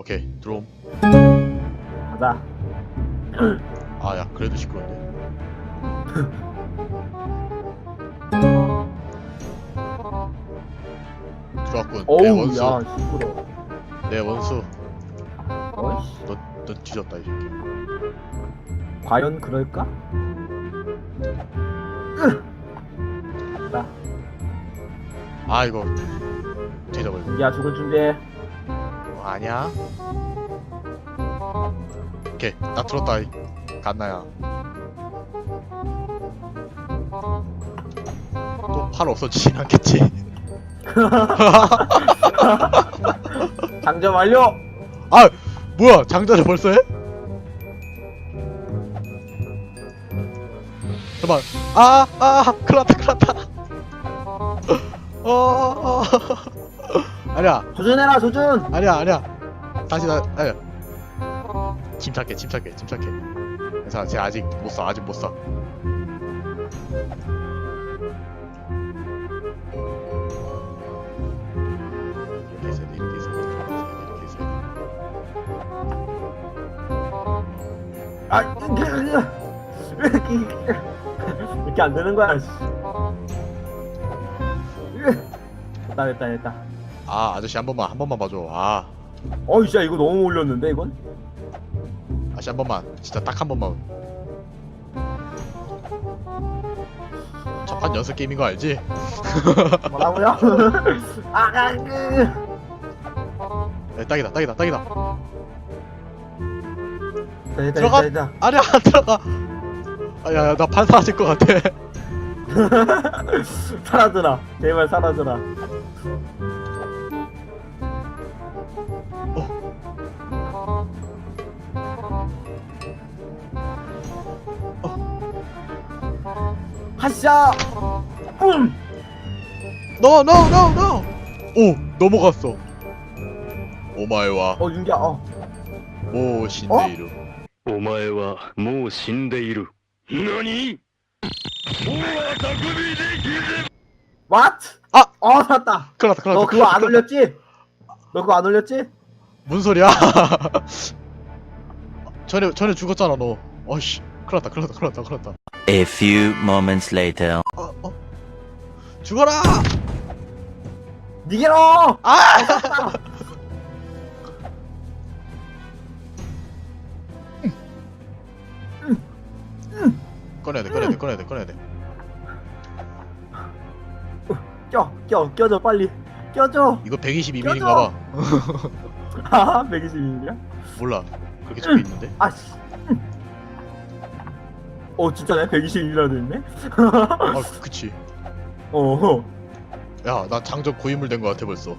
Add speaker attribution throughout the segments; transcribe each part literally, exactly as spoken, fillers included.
Speaker 1: 오케이 들어옴.
Speaker 2: 가자.
Speaker 1: 아 야 그래도 시끄러운데. 좋았군. 내
Speaker 2: 어우
Speaker 1: 원수.
Speaker 2: 야 시끄러.
Speaker 1: 내 원수.
Speaker 2: 어이씨.
Speaker 1: 너, 너 뒤졌다 이 새끼.
Speaker 2: 과연 그럴까? 나
Speaker 1: 아 이거 뒤져버려.
Speaker 2: 야 죽을 준비해.
Speaker 1: 어, 아니야. 오케이 나 들었다 이 갓나야. 또 팔 없어지진 않겠지.
Speaker 2: 장전 완료.
Speaker 1: 아 뭐야 장전을 벌써 해? 잠깐만. 아아 큰일났다 큰일났다. 어어 아니야
Speaker 2: 조준해라 조준.
Speaker 1: 아니야 아니야 다시 나 아니야. 침착해 침착해 침착해. 괜찮아 쟤 아직 못쏴 아직 못쏴. 이렇게 해서 이렇게 해서 이렇게 해서
Speaker 2: 아 왜 이렇게 이렇게 안 되는 거야? 씨. 됐다 됐다 됐다.
Speaker 1: 아 아저씨 한 번만 한 번만 봐줘. 아
Speaker 2: 어이 진짜 이거 너무 올렸는데 이건?
Speaker 1: 아저씨 한 번만 진짜 딱 한 번만. 첫판 연습 게임인 거 알지?
Speaker 2: 뭐라고요? 아, 그.
Speaker 1: 야, 딱이다 딱이다 딱이다.
Speaker 2: 됐다
Speaker 1: 들어가.
Speaker 2: 됐다 됐다.
Speaker 1: 아니야 안 들어가. 아야야 나 판 사라질 것 같아.
Speaker 2: 사라져라 제발 사라져라. 하샤. 음.
Speaker 1: No no no no. 오 넘어갔어. 오마이와
Speaker 2: 어 윤기야 어.
Speaker 1: 모 신데이루.
Speaker 3: お前はもう死んでいる。何？もうは匠できる。
Speaker 2: What?
Speaker 1: 아!
Speaker 2: 어 살았다.
Speaker 1: 큰일났다 큰일났다.
Speaker 2: 너 그거 안
Speaker 1: 큰일 났다.
Speaker 2: 올렸지? 너 그거 안 올렸지?
Speaker 1: 뭔 소리야? 전에 전에 죽었잖아 너. 어이씨 큰일났다 큰일났다 큰일났다 큰일났다.
Speaker 4: A few moments later.
Speaker 1: 어 어. 죽어라.
Speaker 2: 니게로.
Speaker 1: 아! 꺼내야 돼 꺼내야 돼 꺼내야 돼 꺼내야 돼.
Speaker 2: 껴, 껴, 껴줘 빨리. 껴줘.
Speaker 1: 이거 백이십이 밀인가 봐.
Speaker 2: 아, 백이십이 밀이야?
Speaker 1: 몰라. 그렇게 적혀 있는데.
Speaker 2: 아씨. 어, 진짜네. 백이십이 밀이라 돼 있네.
Speaker 1: 아 그치.
Speaker 2: 어.
Speaker 1: 야 나 장전 고인물 된 거 같아 벌써.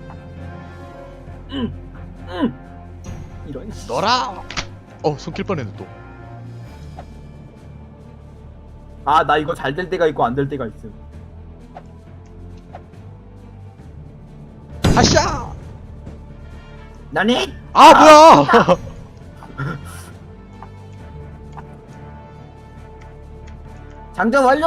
Speaker 2: 이런. 씨.
Speaker 1: 너라. 어 손킬 뻔했네 또.
Speaker 2: 아, 나 이거 잘 될 때가 있고 안 될 때가 있음.
Speaker 1: 하샤.
Speaker 2: 나니?
Speaker 1: 아 뭐야.
Speaker 2: 장전 완료.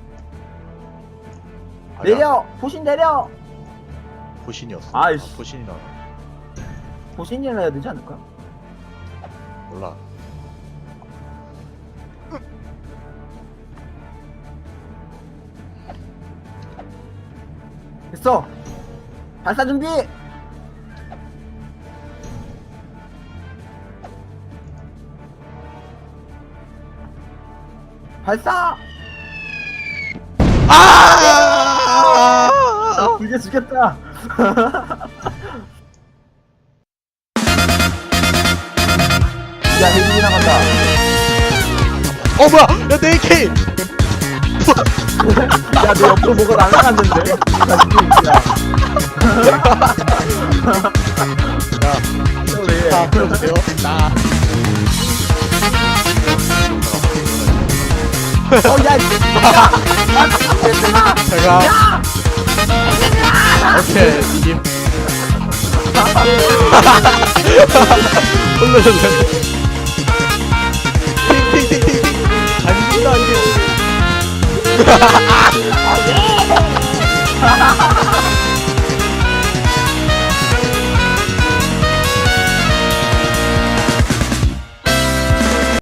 Speaker 1: 아니야,
Speaker 2: 내려. 포신 내려.
Speaker 1: 포신이었어.
Speaker 2: 아이씨.
Speaker 1: 아, 포신이나
Speaker 2: 포신이라 해야 되지 않을까?
Speaker 1: 몰라.
Speaker 2: 됐어. 발사 준비. 발사.
Speaker 1: 아!
Speaker 2: 아, 이제 죽겠다. 야, 헬기 나간다.
Speaker 1: 어 뭐야? 야 내 에이케이.
Speaker 2: 야, 내 옆으로 뭐가 날아갔는데. 야, 지금 야. 왜?
Speaker 1: 자 풀어주세요. 나.
Speaker 2: 어, 야, 야,
Speaker 1: 제가. 오케이 이김. 올려줬네. 팅팅팅팅. 안 죽는다 이게.